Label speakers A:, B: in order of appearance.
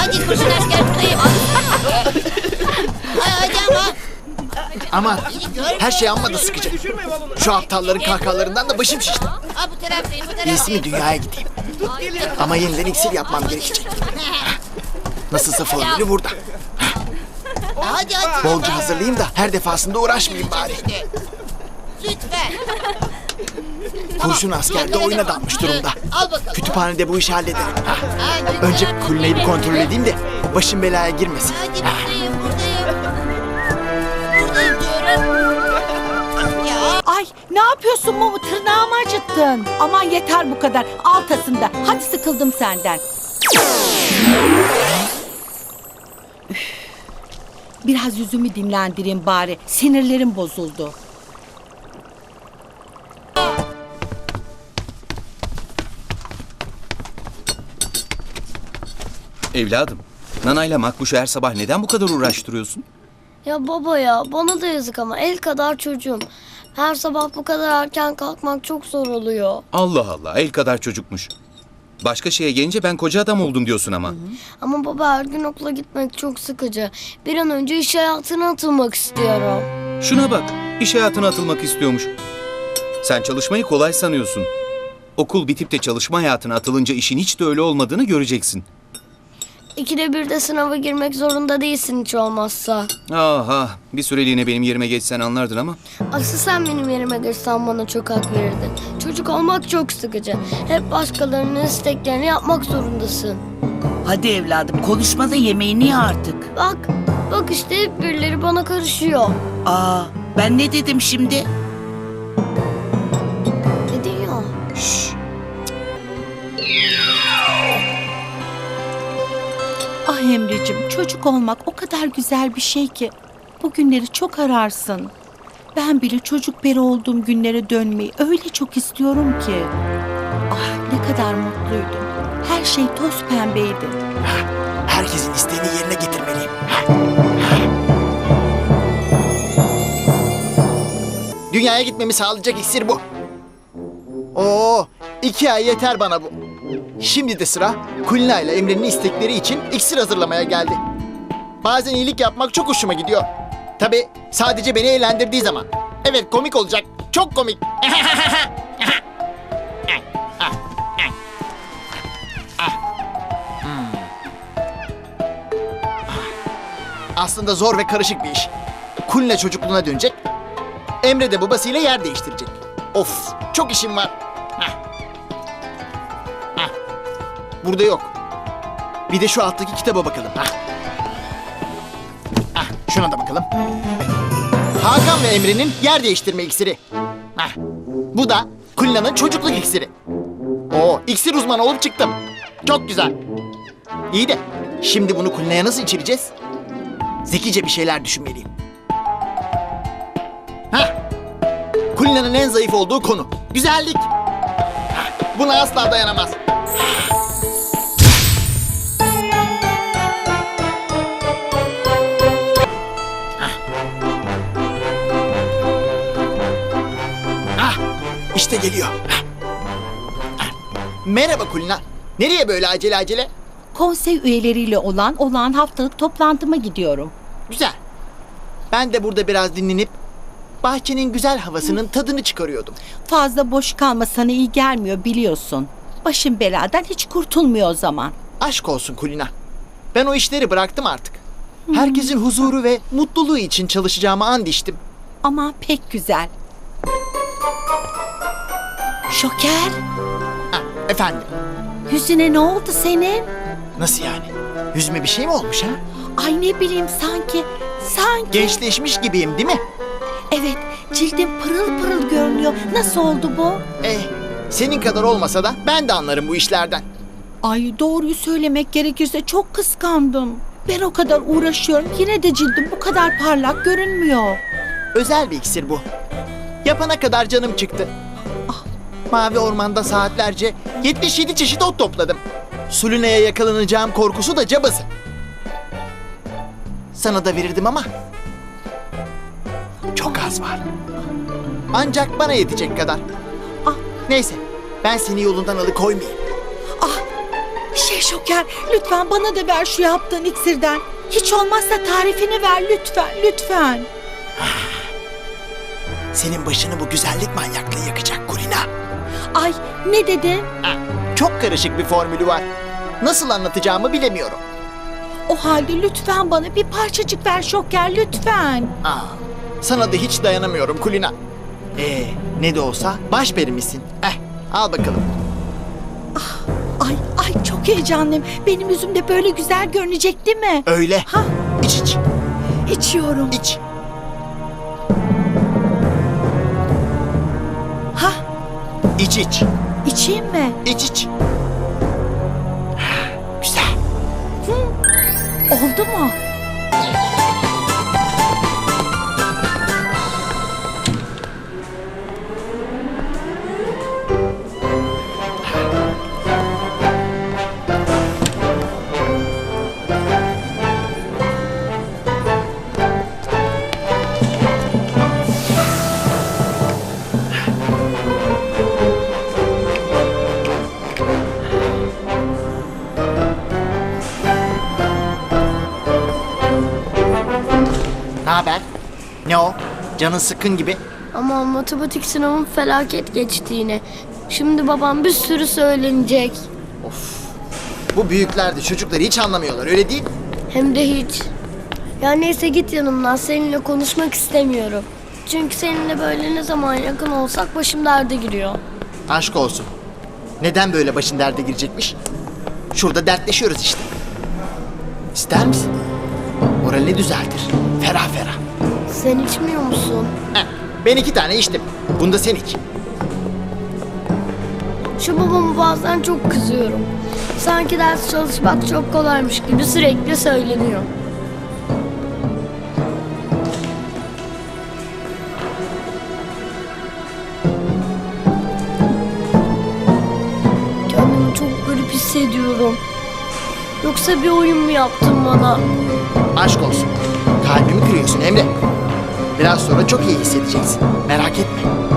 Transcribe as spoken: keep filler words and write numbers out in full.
A: Hadi kurşun asker buradayım. Hadi ama.
B: Aman her şey amma da sıkıcı. Şu aptalların kahkahalarından da başım şişti.
A: Ha bu taraftayım bu taraftayım.
B: İyisi mi dünyaya gideyim. Ama yeniden iksir yapmam gerekecek. Nasılsa formülü burada.
A: Hadi hadi.
B: Bolca hazırlayayım da her defasında uğraşmayayım bari.
A: Lütfen.
B: Kurşun asker de oyuna dalmış durumda.
A: Al bakalım.
B: Kütüphanede bu işi hallederim.
A: Ha, lütfen.
B: Önce Kulina'yı bir kontrol edeyim de başım belaya girmesin.
A: Hadi buradayım buradayım. Buradayım diyorum. Ya.
C: Ay ne yapıyorsun Mumu? Tırnağımı acıttın. Aman yeter bu kadar. Altasında. Hadi sıkıldım senden. Üf. Biraz yüzümü dinlendireyim bari. Sinirlerim bozuldu.
D: Evladım, Nana'yla Makbuş'u her sabah neden bu kadar uğraştırıyorsun?
E: Ya baba ya bana da yazık ama el kadar çocuğum. Her sabah bu kadar erken kalkmak çok zor oluyor.
D: Allah Allah, el kadar çocukmuş. Başka şeye gelince ben koca adam oldum diyorsun ama. Hı hı.
E: Ama baba her gün okula gitmek çok sıkıcı. Bir an önce iş hayatına atılmak istiyorum.
D: Şuna bak, iş hayatına atılmak istiyormuş. Sen çalışmayı kolay sanıyorsun. Okul bitip de çalışma hayatına atılınca işin hiç de öyle olmadığını göreceksin.
E: İkide bir de sınava girmek zorunda değilsin hiç olmazsa.
D: Aha, bir süreliğine benim yerime geçsen anlardın ama.
E: Asıl sen benim yerime geçsen bana çok hak verirdin. Çocuk olmak çok sıkıcı. Hep başkalarının isteklerini yapmak zorundasın.
F: Hadi evladım konuşma da yemeğini ye artık.
E: Bak, bak işte hep birileri bana karışıyor.
F: Aa, ben ne dedim şimdi?
E: Ne diyor?
F: Şşş.
C: Ah Emre'cim, çocuk olmak o kadar güzel bir şey ki. Bu günleri çok ararsın. Ben bile çocuk beri olduğum günlere dönmeyi öyle çok istiyorum ki. Ah ne kadar mutluydum. Her şey toz pembeydi.
B: Herkesin isteğini yerine getirmeliyim. Dünyaya gitmemi sağlayacak iksir bu. Oo, iki ay yeter bana bu. Şimdi de sıra Kulina ile Emre'nin istekleri için iksir hazırlamaya geldi. Bazen iyilik yapmak çok hoşuma gidiyor. Tabii sadece beni eğlendirdiği zaman. Evet komik olacak. Çok komik. Aslında zor ve karışık bir iş. Kulina çocukluğuna dönecek. Emre de babasıyla yer değiştirecek. Of, çok işim var. Heh. Heh. Burada yok. Bir de şu alttaki kitaba bakalım. Heh. Heh, şuna da bakalım. Hakan ve Emre'nin yer değiştirme iksiri. Heh. Bu da Kulina'nın çocukluk iksiri. Oo, iksir uzmanı olup çıktım. Çok güzel. İyi de şimdi bunu Kulina'ya nasıl içireceğiz? Zekice bir şeyler düşünmeliyim. Heh. Kulina'nın en zayıf olduğu konu. Güzellik. Heh. Buna asla dayanamaz. Ah, işte geliyor. Merhaba Kulina. Nereye böyle acele acele?
C: Konsey üyeleriyle olan olağan haftalık toplantıma gidiyorum.
B: Güzel. Ben de burada biraz dinlenip bahçenin güzel havasının tadını çıkarıyordum.
C: Fazla boş kalma sana iyi gelmiyor biliyorsun. Başım beladan hiç kurtulmuyor o zaman.
B: Aşk olsun Kulina. Ben o işleri bıraktım artık. Herkesin huzuru ve mutluluğu için çalışacağıma and içtim.
C: Ama pek güzel. Şoker,
B: Ha, efendim.
C: yüzüne ne oldu senin?
B: Nasıl yani? Yüzüme bir şey mi olmuş ha?
C: Ay ne bileyim sanki, sanki.
B: Gençleşmiş gibiyim değil mi?
C: Evet, cildin pırıl pırıl görünüyor. Nasıl oldu bu?
B: Eh, senin kadar olmasa da ben de anlarım bu işlerden.
C: Ay doğruyu söylemek gerekirse çok kıskandım. Ben o kadar uğraşıyorum yine de cildim bu kadar parlak görünmüyor.
B: Özel bir iksir bu. Yapana kadar canım çıktı. Ah, mavi ormanda saatlerce yetmiş yedi çeşit ot topladım. Sulina'ya yakalanacağım korkusu da cabası. Sana da verirdim ama çok az var. Ancak bana yetecek kadar.
C: Ah.
B: Neyse, ben seni yolundan alıkoymayayım.
C: Şey Şoker, lütfen bana da ver şu yaptığın iksirden. Hiç olmazsa tarifini ver lütfen, lütfen.
B: Senin başını bu güzellik manyaklığı yakacak Kulina.
C: Ay, ne dedin?
B: Ha, çok karışık bir formülü var. Nasıl anlatacağımı bilemiyorum.
C: O halde lütfen bana bir parçacık ver Şoker, lütfen.
B: Aa, sana da hiç dayanamıyorum Kulina. Ee, ne de olsa başperimisin. Eh, al bakalım.
C: Ay, ay çok heyecanlıyım. Benim yüzümde böyle güzel görünecek değil mi?
B: Öyle.
C: Ha,
B: İç iç.
C: içiyorum.
B: İç.
C: Ha,
B: İç iç.
C: içeyim mi?
B: İç iç. Güzel.
C: Oldu mu?
B: Ne haber? Ne o? Canın sıkkın gibi.
E: Ama matematik sınavım felaket geçti yine. Şimdi babam bir sürü söylenecek.
B: Bu büyükler de çocukları hiç anlamıyorlar, öyle değil?
E: Hem de hiç. Ya neyse git yanımdan, seninle konuşmak istemiyorum. Çünkü seninle böyle ne zaman yakın olsak başım derde giriyor.
B: Aşk olsun. Neden böyle başın derde girecekmiş? Şurada dertleşiyoruz işte. İster misin? Moralini düzeltir. Ferah ferah.
E: Sen içmiyor musun?
B: Heh, ben iki tane içtim. Bunu da sen iç.
E: Şu babama bazen çok kızıyorum. Sanki ders çalışmak çok kolaymış gibi sürekli söyleniyor. Kendimi çok garip hissediyorum. Yoksa bir oyun mu yaptın bana?
B: Aşk olsun. Kalbimi kırıyorsun Emre. Biraz sonra çok iyi hissedeceksin. Merak etme.